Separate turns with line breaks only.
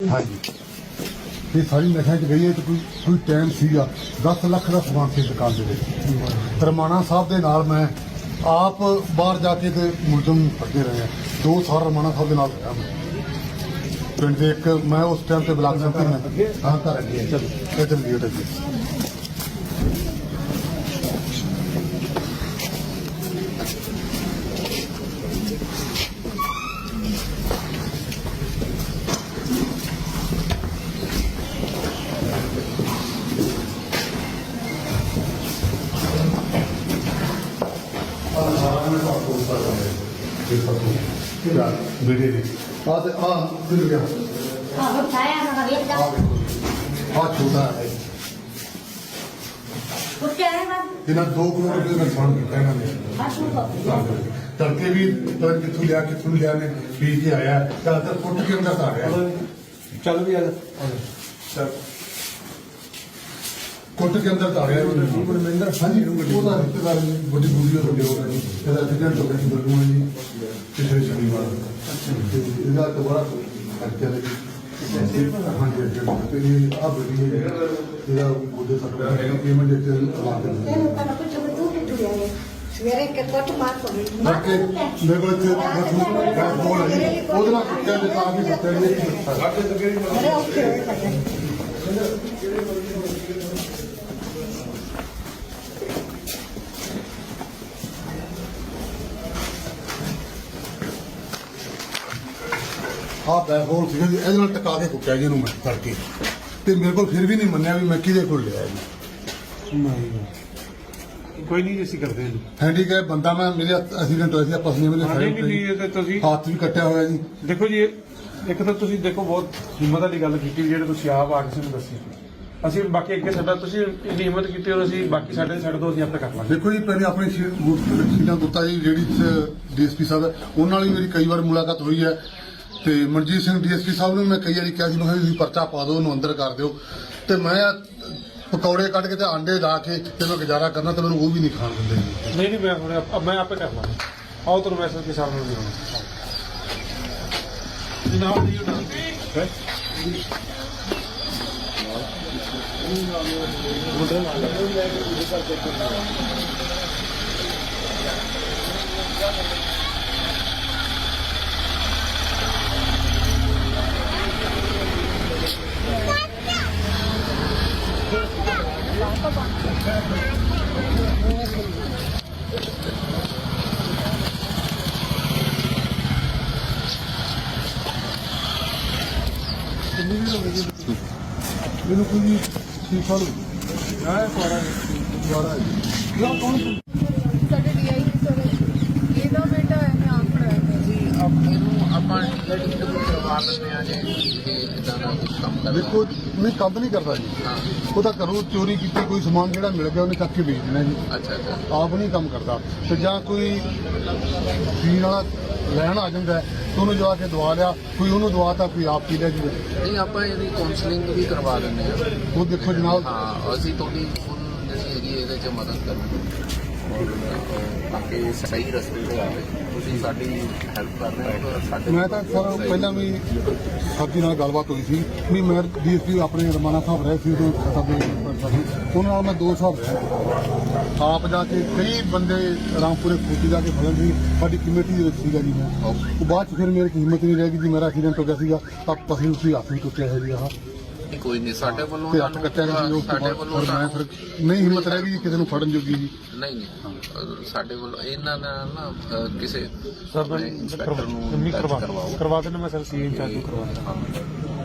हाँ जी ये सारी नशा च गई है तो कोई टाइम सीगा 10 लाख का समान से दुकान के विच रमाना साहब के नाल मैं आप बाहर जाके ते मुलजम फड़ते रहे हैं 2 साल रमाना साहब के नाल रहा मैं पिंड दे एक मैं उस टाइम से ब्लाक सेंटर में हाँ घर चलिए बेटे ने मिल गया छोटा है इन्हें 2 करोड़ रुपये का नुकसान किया तड़के भी कितों लिया ने पी के आया ज्यादातर फुट के अंदर आ गया चल भी कुट के अंदर आ गया मनमिंदर हाँ जी रिश्तेदार बड़ी बुरी एक्सीडेंट हो गया बलूआ जी पिछले शनिवार इसका तो बड़ा खर्चा लगी हाँ जी अब बुद्धे सरकार पेमेंट
ਸਵੇਰੇ ਕਿ ਕੁੱਟ ਮਾਰ ਪਈ
ਮੇਰੇ ਕੋਲ ਉਹਦੇ ਨਾਲ ਕੁੱਟਿਆ ਦੇ ਤਾਂ ਵੀ ਬੱਚੇ ਨੇ
ਬੜੇ ਔਖੇ ਹੋਏ ਪਏ
ਆ ਬੈਹੋਲ ਸੀਗਾ ਜੀ ਇਹਦੇ ਨਾਲ ਟਕਾ ਕੇ ਕੁੱਟਿਆ ਜੀ ਇਹਨੂੰ ਮੈਂ ਕਰਕੇ ਤੇ ਮੇਰੇ ਕੋਲ ਫਿਰ ਵੀ ਨਹੀਂ ਮੰਨਿਆ ਵੀ ਮੈਂ ਕਿਹਦੇ ਕੋਲ ਲਿਆ ਜੀ
ਕੋਈ ਨਹੀਂ ਅਸੀਂ ਕਰਦੇ ਹਾਂ
ਹੈਂਡੀਕੈਪ ਬੰਦਾ ਮੈਂ ਮੇਰੇ ਐਕਸੀਡੈਂਟ ਹੋਇਆ ਸੀ ਪਸਲੀਆਂ ਮੇਰੇ
ਨਹੀਂ ਇਹ ਤਾਂ ਤੁਸੀਂ
ਹੱਥ ਵੀ ਕੱਟਿਆ ਹੋਇਆ ਜੀ
ਦੇਖੋ ਜੀ ਇੱਕ ਤਾਂ ਤੁਸੀਂ ਦੇਖੋ ਬਹੁਤ ਹਿੰਮਤ ਵਾਲੀ ਗੱਲ ਕੀਤੀ ਜਿਹੜੇ ਤੁਸੀਂ ਆਪ ਆ ਕੇ ਸਾਨੂੰ ਦੱਸੀ ਅਸੀਂ ਬਾਕੀ ਅੱਗੇ ਸਾਡਾ ਤੁਸੀਂ ਇੰਨੀ ਹਿੰਮਤ ਕੀਤੀ ਔਰ ਅਸੀਂ ਬਾਕੀ ਸਾਡੇ ਛੱਡ ਦੋ ਅਸੀਂ ਆਪੇ ਕਰ ਲਾਂਗੇ
ਦੇਖੋ ਜੀ ਪਹਿਲੇ ਆਪਣੀ ਸੀਟਾਂ ਗੁੱਤਾ ਜੀ ਜਿਹੜੀ ਡੀਐਸਪੀ ਸਾਹਿਬ ਹੈ ਉਹਨਾਂ ਨਾਲ ਵੀ ਮੇਰੀ ਕਈ ਵਾਰ ਮੁਲਾਕਾਤ ਹੋਈ ਹੈ ਤੇ ਮਨਜੀਤ ਸਿੰਘ ਡੀਐਸਪੀ ਸਾਹਿਬ ਨੂੰ ਮੈਂ ਕਈ ਵਾਰੀ ਕਿਹਾ ਸੀ ਮੈਂ ਤੁਸੀਂ ਪਰਚਾ ਪਾ ਦਿਓ ਉਹਨੂੰ ਅੰਦਰ ਕਰ ਦਿਓ ਤੇ ਮੈਂ ਪਕੌੜੇ ਕੱਢ ਕੇ ਤੇ ਆਂਡੇ ਲਾ ਕੇ ਤੇ ਮੈਂ ਗੁਜ਼ਾਰਾ ਕਰਨਾ ਤੇ ਮੈਨੂੰ ਉਹ ਵੀ ਨਹੀਂ ਖਾਣ ਦਿੰਦੇ
ਨਹੀਂ ਮੈਂ ਹੁਣ ਮੈਂ ਆਪੇ ਕਰ ਲਾਂਗਾ ਆਓ ਤੁਹਾਨੂੰ ਮੈਸੇਜ ਕੇ ਸਾਹਮਣੇ ਵੀ ਹੋਣਾ ਜਨਾਬ ਜੀ
ਮੈਨੂੰ ਕੋਈ ਸੀਖਾ ਲਓ ਦੁਆਰਾ
ਸਾਡੇ ਡੀਆਈ ਸਰ ਇਹਦਾ ਬੇਟਾ ਹੈ ਮੈਂ ਆਪ ਪੜਾਇਆ
ਜੀ ਇਹਨੂੰ ਆਪਾਂ ਕਰਵਾ ਲੈਂਦੇ ਆ ਜੀ ਇਦਾਂ ਦਾ ਕੰਮ ਕਰ
ਦੇਖੋ ਮੈਂ ਕੰਮ ਨਹੀਂ ਕਰਦਾ ਜੀ ਉਹ ਤਾਂ ਘਰੋਂ ਚੋਰੀ ਕੀਤੀ ਕੋਈ ਸਮਾਨ ਜਿਹੜਾ ਮਿਲ ਗਿਆ ਉਹਨੇ ਚੱਕ ਕੇ ਵੇਚ ਦੇਣਾ ਜੀ
ਅੱਛਾ
ਆਪ ਨਹੀਂ ਕੰਮ ਕਰਦਾ ਤੇ ਜਾਂ ਕੋਈ ਪੀਣ ਵਾਲਾ ਲੈਣ ਆ ਜਾਂਦਾ ਤੇ ਉਹਨੂੰ ਜਾ ਕੇ ਦਵਾ ਲਿਆ ਕੋਈ ਉਹਨੂੰ ਦਵਾਤਾ ਕੋਈ ਆਪ ਪੀ ਲਿਆ ਜੀ
ਨਹੀਂ ਆਪਾਂ ਇਹਦੀ ਕਾਉਂਸਲਿੰਗ ਵੀ ਕਰਵਾ ਦਿੰਦੇ ਆ
ਉਹ ਦੇਖੋ ਜਨਾਬ
ਹਾਂ ਅਸੀਂ ਤੁਹਾਡੀ ਹੁਣ ਜਿਹੜੀ ਹੈਗੀ ਇਹਦੇ 'ਚ ਮਦਦ ਕਰਾਂਗੇ ਔਰ ਤਾਂ ਕਿ ਸਹੀ ਰਸਤੇ 'ਤੇ ਆਵੇ ਤੁਸੀਂ ਸਾਡੀ ਹੈਲਪ ਕਰ ਰਹੇ ਹੋ ਤਾਂ ਸਾਡੇ
ਮੈਂ ਤਾਂ ਸਰ ਪਹਿਲਾਂ ਵੀ ਸਾਡੀ ਨਾਲ ਗੱਲਬਾਤ ਹੋਈ ਸੀ ਵੀ ਮੈਂ ਡੀਐਸਪੀ ਆਪਣੇ ਰਮਾਨਾ ਸਾਹਿਬ ਰਹੇ ਸੀ ਉਹਨਾਂ ਨਾਲ ਮੈਂ 2 ਸਾਲ ਰਿਹਾ ਆਪ ਜਾ ਕੇ ਕਈ ਬੰਦੇ ਰਾਮਪੁਰੇ ਖੋਤੀ ਜਾ ਕੇ ਫੜਨ ਸੀ ਸਾਡੀ ਕਮੇਟੀ ਦੇ ਵਿੱਚ ਸੀਗਾ ਜੀ ਮੈਂ ਉਹ ਬਾਅਦ 'ਚ ਫਿਰ ਮੇਰੇ ਹਿੰਮਤ ਨਹੀਂ ਰਹਿ ਗਈ ਜੀ ਮੇਰਾ ਐਕਸੀਡੈਂਟ ਹੋ ਗਿਆ ਸੀਗਾ ਤਾਂ ਪਸਲੀ ਉਸੀ ਹੱਥ ਵੀ ਟੁੱਟਿਆ ਹੈ ਜੀ ਆਹ
ਕੋਈ ਨਹੀਂ ਸਾਡੇ ਵੱਲੋਂ
ਤੇ ਹੱਥ ਕੱਟਿਆ ਗਿਆ ਜੀ ਉਸ ਤੋਂ
ਸਾਡੇ
ਬਾਅਦ
ਵੱਲੋਂ
ਫਿਰ ਮੈਂ ਫਿਰ ਨਹੀਂ ਹਿੰਮਤ ਰਹਿ ਗਈ ਜੀ ਕਿਸੇ ਨੂੰ ਫੜਨ ਜੋਗੀ ਜੀ
ਨਹੀਂ ਸਾਡੇ ਵੱਲੋਂ ਇਹਨਾਂ ਦਾ ਨਾ ਕਿਸੇ
ਸਰ
ਇੰਸਪੈਕਟਰ ਨੂੰ
ਕਰਵਾ ਦੇਣਾ ਮੈਂ ਸਰ ਸੀ ਇੰਚਾਰਜ ਨੂੰ ਕਰਵਾ ਦੇਣਾ